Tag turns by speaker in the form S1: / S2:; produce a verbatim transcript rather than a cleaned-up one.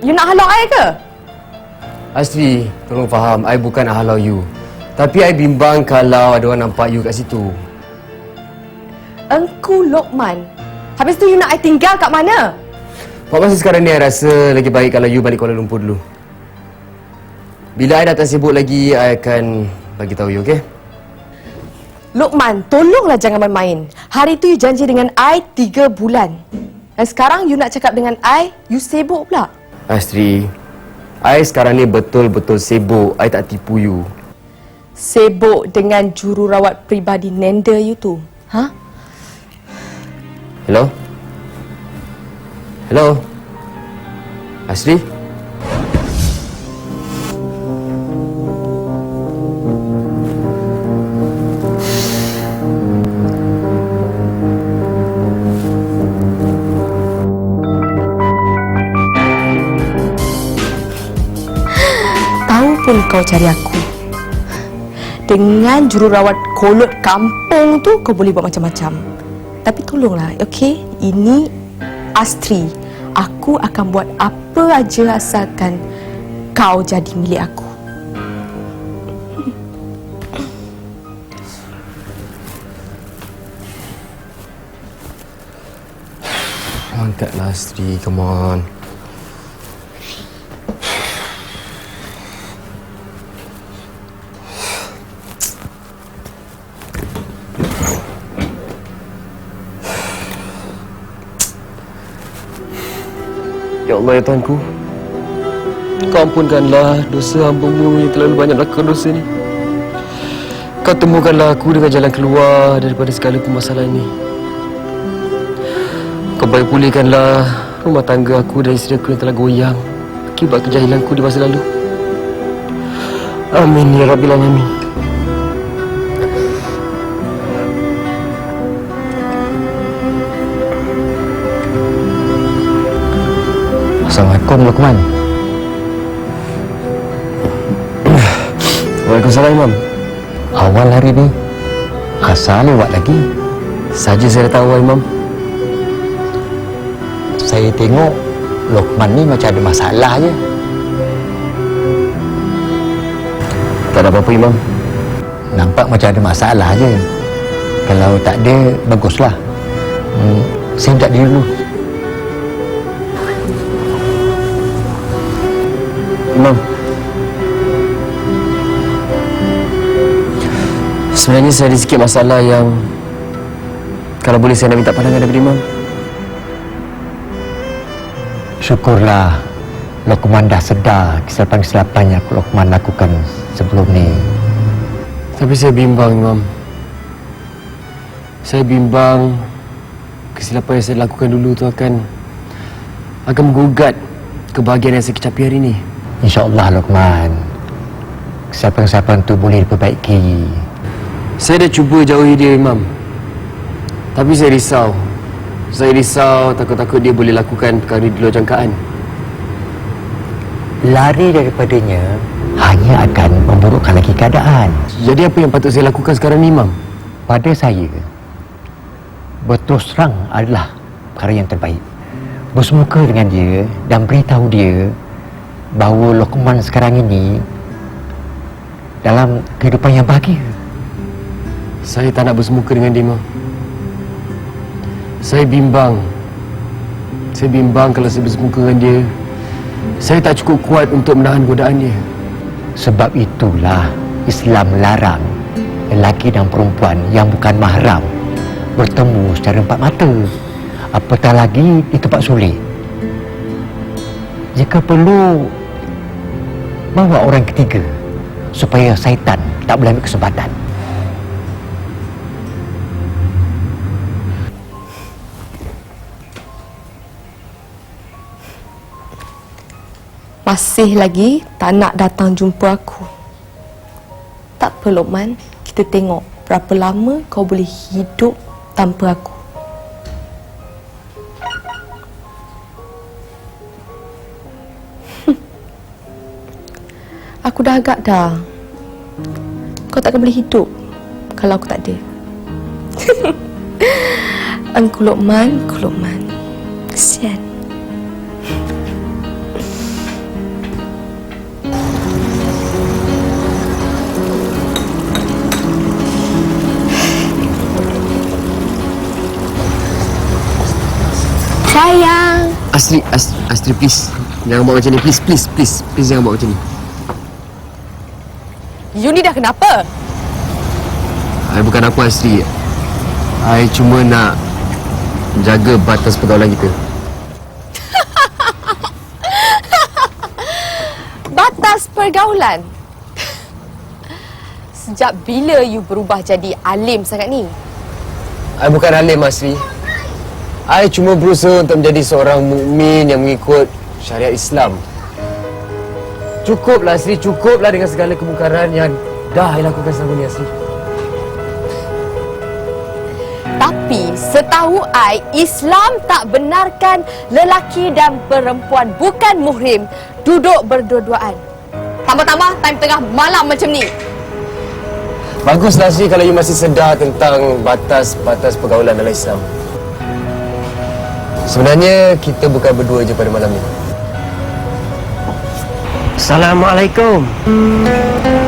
S1: You nak halau I ke?
S2: Astri, tolong faham, I bukan nak halau you. Tapi I bimbang kalau ada orang nampak you kat situ.
S1: Engku Lokman. Habis tu you nak I tinggal kat mana?
S2: Buat masa sekarang ni, I rasa lagi baik kalau you balik Kuala Lumpur dulu. Bila I dah tak sibuk lagi, I akan bagi tahu you, okey?
S1: Lokman, tolonglah jangan main-main. Hari tu you janji dengan I tiga bulan. Dan sekarang you nak cakap dengan I, you sibuk pula.
S2: Astri, I sekarang ni betul-betul sibuk. I tak tipu you.
S1: Sibuk dengan jururawat peribadi Nenda you tu. Ha?
S2: Hello? Hello? Astri?
S1: Tahu pun kau cari aku. Dengan jururawat kolot kampung tu kau boleh buat macam-macam. Tapi tolonglah, okey? Ini Astri. Aku akan buat apa aja asalkan kau jadi milik aku.
S2: Angkatlah Astri, come on. Ya Allah, ya Tuhanku, Kau ampunkanlah dosa hamba-Mu yang terlalu banyak melakukan dosa ni. Kau temukanlah aku dengan jalan keluar daripada segala permasalahan ini. Kau baik pulihkanlah rumah tangga aku dan isteri aku yang telah goyang akibat kejahilanku di masa lalu. Amin ya Rabbil Alamin.
S3: Assalamualaikum Lokman.
S2: Waalaikumsalam Imam.
S3: Awal hari ni asal lewat lagi.
S2: Saja saya dah tahu Imam.
S3: Saya tengok Lokman ni macam ada masalah je.
S2: Tak ada apa-apa Imam.
S3: Nampak macam ada masalah je. Kalau tak ada, baguslah. Hmm, saya minta diri dulu.
S2: Imam, sebenarnya saya ada sikit masalah yang kalau boleh saya nak minta pandangan daripada Imam.
S3: Syukurlah Lokman dah sedar kesilapan-kesilapan yang Lokman lakukan sebelum ni.
S2: Tapi saya bimbang Imam. Saya bimbang kesilapan yang saya lakukan dulu tu akan akan menggugat kebahagiaan yang saya kecapi hari ini.
S3: InsyaAllah Lokman, kesilapan-kesilapan tu boleh diperbaiki.
S2: Saya dah cuba jauhi dia Imam. Tapi saya risau. Saya risau takut-takut dia boleh lakukan perkara di luar jangkaan.
S3: Lari daripadanya hanya akan memburukkan lagi keadaan.
S2: Jadi apa yang patut saya lakukan sekarang ni Imam?
S3: Pada saya, berterus terang adalah perkara yang terbaik. Bersemuka dengan dia dan beritahu dia bahawa Lokman sekarang ini dalam kehidupan yang bahagia.
S2: Saya tak nak bersemuka dengan dia Imam. Saya bimbang. Saya bimbang kalau saya bersemuka dengan dia, saya tak cukup kuat untuk menahan godaan dia.
S3: Sebab itulah Islam melarang lelaki dan perempuan yang bukan mahram bertemu secara empat mata, apatah lagi di tempat sulit. Jika perlu, bawa orang ketiga supaya syaitan tak boleh ambil kesempatan.
S1: Masih lagi tak nak datang jumpa aku. Tak apa Lokman, kita tengok berapa lama kau boleh hidup tanpa aku. Aku dah agak dah. Kau takkan boleh hidup kalau aku tak ada. Engkau Lokman, engkau Lokman. Kesian. Sayang.
S2: Astri, Astri, Astri please. Jangan buat macam ni. Please, please, please. Please jangan buat macam ni.
S1: You ni dah kenapa?
S2: I bukan apa Astri. I cuma nak jaga batas pergaulan kita.
S1: Batas pergaulan? Sejak bila you berubah jadi alim sangat ni?
S2: I bukan alim Astri. I cuma berusaha untuk menjadi seorang mukmin yang mengikut syariat Islam. Cukuplah Astri, cukuplah dengan segala kemungkaran yang dah I lakukan selama ni Astri.
S1: Tapi setahu I, Islam tak benarkan lelaki dan perempuan bukan muhrim duduk berdua-duaan. Tambah-tambah time tengah malam macam ni.
S2: Baguslah Astri kalau you masih sedar tentang batas-batas pergaulan dalam Islam. Sebenarnya kita bukan berdua je pada malam ni.
S4: Assalamualaikum.